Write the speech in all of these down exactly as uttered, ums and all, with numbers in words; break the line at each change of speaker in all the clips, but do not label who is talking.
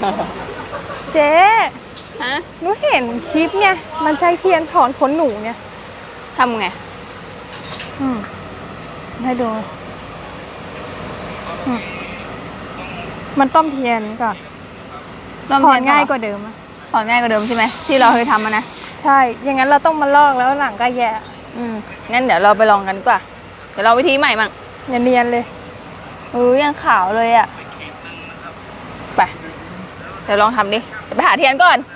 เจ๊
ฮะ
หนูเห็นคลิปไงมันใช้เทียนถอนขนหนูไง
ทำไง
อืมให้ดูมันต้มเทียนก่อนถอนง่ายกว่าเดิมอะ
ถอนง่ายกว่าเดิมใช่ไหมที่เราเคยทำมานะ
ใช่อย่างนั้นเราต้องมาลอกแล้วหลังก็แย่
อืมงั้นเดี๋ยวเราไปลองกันดีกว่าเดี๋ยวเราวิธีใหม่มั่ง
อย่าเนียนเลย
เออยังขาวเลยอ่ะไปเดี๋ยวลองทำดิเดี๋ยวไปหาเทียนก่อน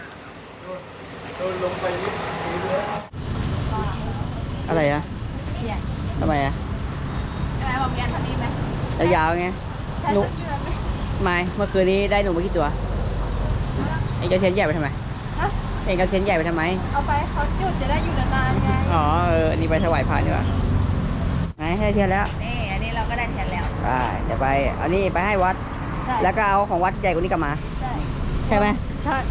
อะไรอะทำไมอะ
ทำไมบอกเทียนเท่านี้ไหม
ยาวๆไงหนูไม่เมื่อคืนนี้ได้หนูมากี่ตัวเอ็งเอาเทียนใหญ่ไปทำไมเอ็งเอาเทียนใหญ่ไปทำไม
เอาไปเขาจุดจะได้อยู่นานๆไง
อ๋อเอออันนี้ไปถวายพระดีกว่าไหนให้เทียนแล้ว
นี่อันนี้เราก็ได้เทียนแล้ว
ไปเดี๋ยวไปเอานี่ไปให้วัดแล้วก็เอาของวัดใหญ่กว่านี้กลับมา
ใช่
ใช่ไหม
ใช่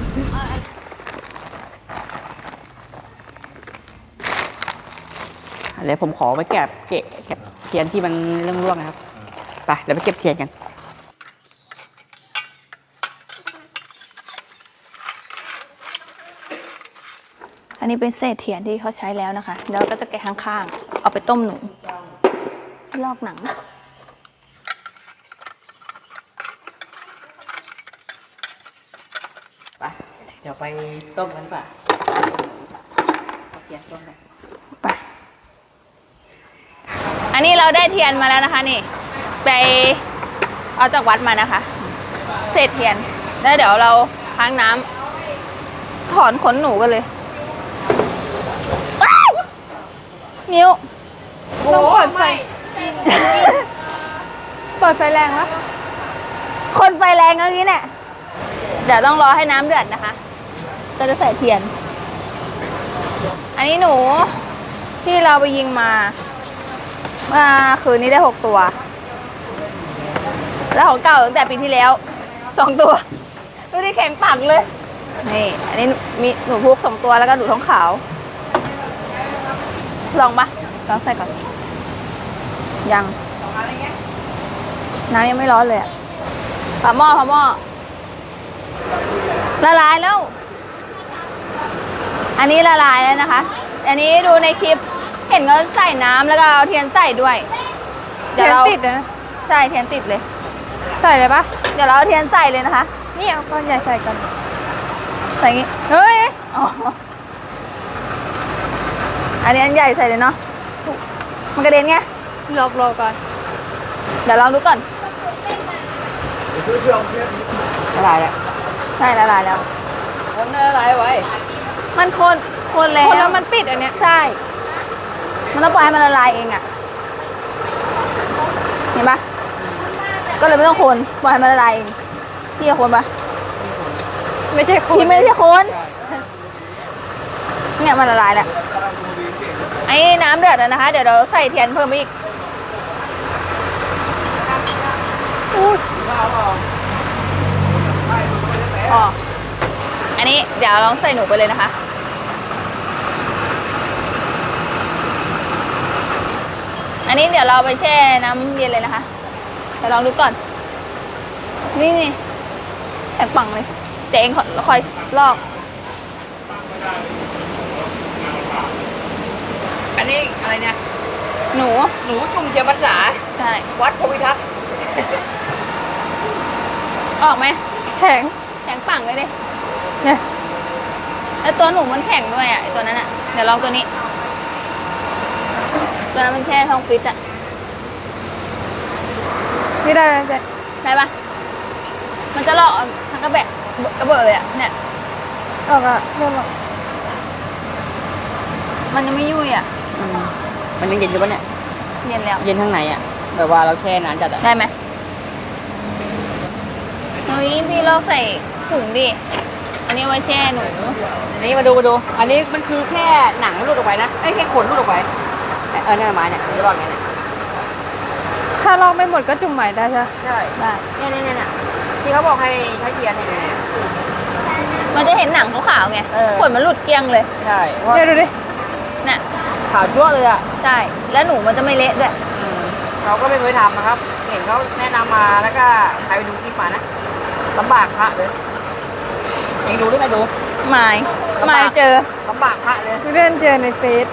เดี๋ยวผมขอไปเก็บเก็บเทียนที่มันเรื่องร่วงนะครับไปเดี๋ยวไปเก็บเทียนกัน
อันนี้เป็นเศษเทียนที่เขาใช้แล้วนะคะแล้วก็จะแกะข้างๆเอาไปต้มหนูลอกหนัง
ไปเดี๋ยวไปต้มกันป่ะเทียนต้มเลย
ไปอันนี้เราได้เทียนมาแล้วนะคะนี่ไปเอาจากวัดมานะคะเศษเทียนแล้วเดี๋ยวเราค้างน้ำถอนขนหนูกันเลยนิ้ว
ต้องเปิดไฟเปิดไฟแรงวะ
คนไฟแรงอย่างนี้เนี่ยเดี๋ยวต้องรอให้น้ำเดือดนะคะก็จะใส่เทียนอันนี้หนูที่เราไปยิงมาเมื่อคืนนี้ได้หกตัวแล้วของเก่าตั้งแต่ปีที่แล้วสองตัวดูดิแข็งปักเลยนี่อันนี้มีหนูพุกสองตัวแล้วก็หนูท้องขาวลองปะลองใส่ก่อนยังน้ำยังไม่ร้อนเลยอะฝาหม้อฝาหม้อละลายแล้วอันนี้ละลายแล้วนะคะอันนี้ดูในคลิปเห็นเขาใส่น้ำแล้วก็เอาเทียนใส่ด้วย
เทียนติดนะ
ใช่เทียนติดเลย
ใส่เลยปะ
เดี๋ยวเราเอาเทียนใส่เลยนะคะ
นี่เอาก้อนใหญ่ใส่กัน
ใส่งี้
เฮ้ย
อ๋ออันนี้อันใหญ่ใส่เลยเนาะมันกระเด็นไง
รอรอก่อน
เดี๋ยวลองดูก่อน
ละลายแล้ว
ใช่ละลายแล้ว
มันละลายไว้
มันคนคนแล้ว
คนแล้วมันติดอันเนี้ย
ใช่มันต้องปล่อยให้มันละลายเองอ่ะเห็นปะก็เลยไม่ต้องคนปล่อยให้มันละลายเองพี่จะคนปะ
ไม่ใช่คน
พี่ไม่ใช่คนเนี่ยมันละลายแล้วไอ้น้ำเดือดแล้วนะคะเดี๋ยวเราใส่เทียนเพิ่มอีกอ๋ออันนี้เดี๋ยวลองใส่หนูไปเลยนะคะอันนี้เดี๋ยวเราไปแช่น้ำเย็นเลยนะคะเดี๋ยวลองดูก่อนนี่ไงแข็งปังเลยแต่เองคอยลอก
อันนี้อะไรเนี่ย
หนู
หนูจุ่มเทียนพรรษา
ใช่
วัดโพธิทัศน์
ออกไหม
แข็ง
แข็งปังเลยดิ
เนี่ย
แล้วตัวหนูมันแข็งด้วยอ่ะไอตัวนั้นอ่ะเดี๋ยวลองตัวนี้ตัวนั้นมันแช่ท้องฟิตอ่ะ
ไม่ได้เลยจ้ะ
ได้ปะมันจะลอกทั้งกระแบะกระเบิดเลยอ่ะเนี่ย
ออกอ่ะเริ่มออก
มันยังไม่ยุ่ยอ่ะ
มันยังเย็นอยู่ปะเนี่ย
เย็นแล้ว
เย็นข้างในอ่ะแบบว่าเราแช่นานจัดอ่ะ
ได้ไหมเฮ้ยพี่ลอกใส่ถุงดิอันนี้ไว้แช่หนู
อันนี้มาดูมาดูอันนี้มันคือแค่หนังหลุดออกไปนะไอ้แค่ขนหลุดออกไปเออเนี่ยไม้เนี่ยจะลอกไงเนี่ย
ถ้าลอกไม่หมดก็จุ่มใหม่ได้ใช่
ใช่
ได้
เนี่ยเนี่ยเนี่ยที่เขาบอกให้ใช้เทียนเนี่ย
มันจะเห็นหนังขาวๆไงขนมันหลุดเกลี้ยงเลย
ใช่
เดี๋ยวดูดิ
น่ะ
ขาวจั่วเลยอ่ะ
ใช่แล้วหนูมันจะไม่เละด้วย
เราก็ไม่เคยทำนะครับเห็นเขาแนะนำมาแล้วก็ใครไปดูคลิปมานะลำบากพระเลยเองดูหรือไงดู
ไม่
ลำบาก
ไม่เจอ
ลำบากพระเลย
เลื่อนเจอในเฟซ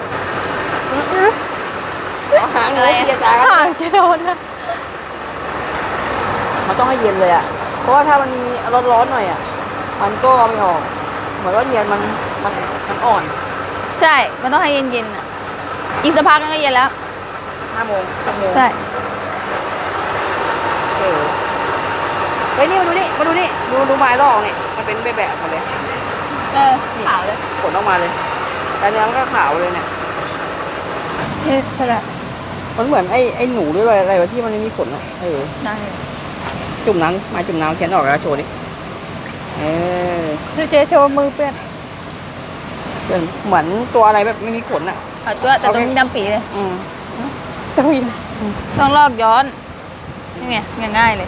เอาหางเลยเย็นตากัน
ห่างจะโดนนะ
มันต้องให้เย็นเลยอ่ะเพราะว่าถ้ามันมีร้อนๆหน่อยอ่ะมันก็เอาไม่ออกเหมือนว่าเทียนมันมันมันอ่อน
ใช่ มันต้องให้เย็นๆอ่ะ อีกสักพักนึงก็เย็นแล้ว
ห้าโมงหกโมง
ใช่
เออเฮ้ยนี่มาดูนี่มาดูนี่ดูดูไม้ลอกนี่มันเป็นแบบแบบหมดเลย
เออขาวเลย
ผลออกมาเลยแต่เนื้อมันก็ขาวเลยเนี่ย
เฮ็ดใช่ละ
มันเหมือนไอ้ไอ้หนูด้วยอะไรอะไรวะที่มันไม่มีขนอ่ะเออ
ได้
จุ่มน้ำมาจุ่มน้ำเขียนออกแล้วโชว์ดิเออ
ดูเจโชว์มือเปื้อน
เป็นเหมือนตัวอะไรแบบไม่มีขนอ่ะ
ขาวตัวแต่ตรงนี้ดำปีเลย
อืม
ต้องยิน
ต้องลอกย้อน นี่ไงง่ายๆเลย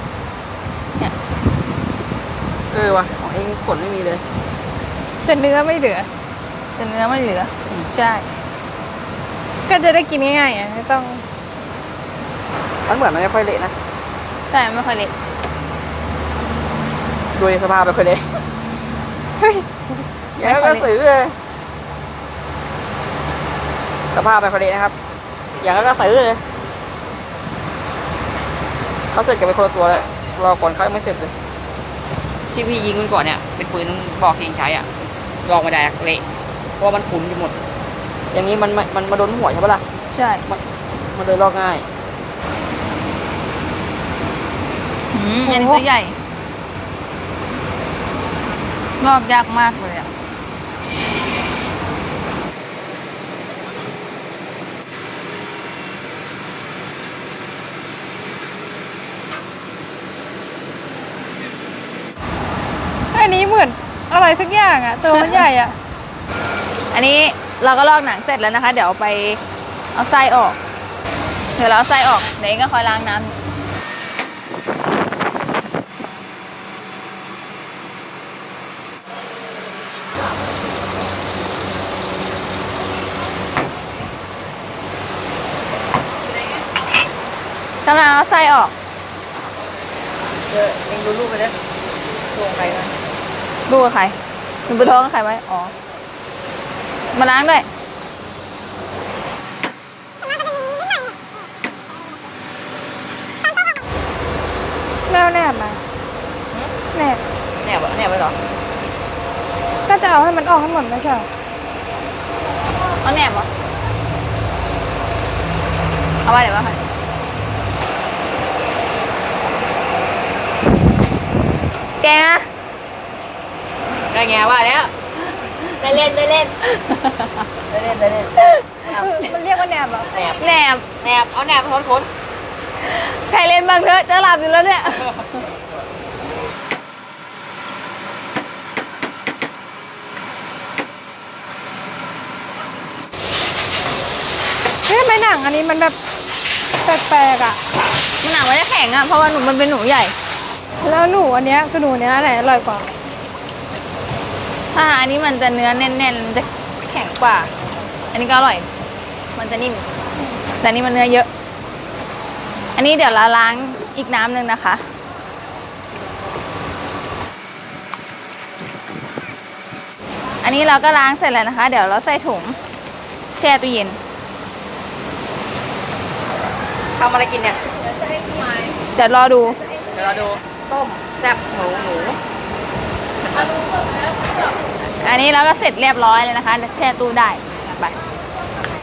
เออวะของเองขนไม่มีเลย
แต่เนื้อไม่เหลือ
แต่เนื้อไม่เหลือ ใช่
ก็จะได้กินง่ายๆอ่ะไม่ต้อง
มันเหมือนมันไม่ค่อยเละนะ
ใช่ไม่ค่อยเละ
ดูสภาพไม่ค่อยเละ
เฮ้ย
อย่างนั้นก็ซื้อเลยสภาพไม่ค่อยเละนะครับ อย่างนั้นก็ซื้อเลยเขาเสร็จกันไปคนละตัวเลยรอก่อนเขายังไม่เสร็จเลยที่พี่ยิงมันก่อนเนี่ยเป็นปืนบอกเองใช้อ่ะลองไม่ได้อะเละเพราะว่ามันขุ่นอยู่หมด อย่างนี้มันมันมันมาโดนหัวใช่ปะล่ะ
ใช่
มันเลยลอกง่าย
อืมอันนี้ตัวใหญ่ ลอกยากมากเลยอ่ะ
อันนี้เหมือนอะไรสักอย่างอ่ะ ตัวมันใหญ่อ่ะ
อันนี้เราก็ลอกหนังเสร็จแล้วนะคะ เดี๋ยวเอาไปเอาไส้ออก เดี๋ยวเราเอาไส้ออก เดี๋ยวเองก็คอยล้างน้ำกำลังเอาไส้ออก
เออเองดูรูปไปเลยลงไปนะ
ดูกับใครหนูไปท้องกับใครไว้ อ๋อ มาล้างด้วย
แมวแนบมาแนบ
เนี่ยบเนี่ยไปเหรอ
ก็จะเอาให้มันออกให้หมดไม่ใช่เหรอ
เอาแหนบเหรอ เอาไว้เดี๋ยวว่าค่ะแกงอะ
ได้ไงว่าแล้ว
ได้เล่นได้เล่น
ได้เล่นได้เล่น
มันเรียกว่าแนบเหรอ
แหนบ
แหนบ
แหนบเอาแหนบมาทนขน
ใครเล่นบ้างเถอะจะหลับอยู่แล้วเนี่ย
เฮ้ยทำไมหนังอันนี้มันแบบแปลกๆอ่ะ
มันหนังมันจะแข็งอะเพราะว่าหนูมันเป็นหนูใหญ่
แล้วหนูอันเนี้ยคือหนูเนี้ยอะไรอร่อยกว่า
ถ้าอันนี้มันจะเนื้อแน่นๆมันจะแข็งกว่า อันนี้ก็อร่อย มันจะนิ่ม แต่อันนี้มันเนื้อเยอะ อันนี้เดี๋ยวเราล้างอีกน้ำหนึ่งนะคะ อันนี้เราก็ล้างเสร็จแล้วนะคะ เดี๋ยวเราใส่ถุงแช่ตู้เย็น
ทำอะไรกินเนี่ย
เดี๋ยวรอดู
เดี๋ยวเราดูต้มแซ่บหมูหมู
อันนี้เราก็เสร็จเรียบร้อยเลยนะคะ แช่ตู้ได้ไป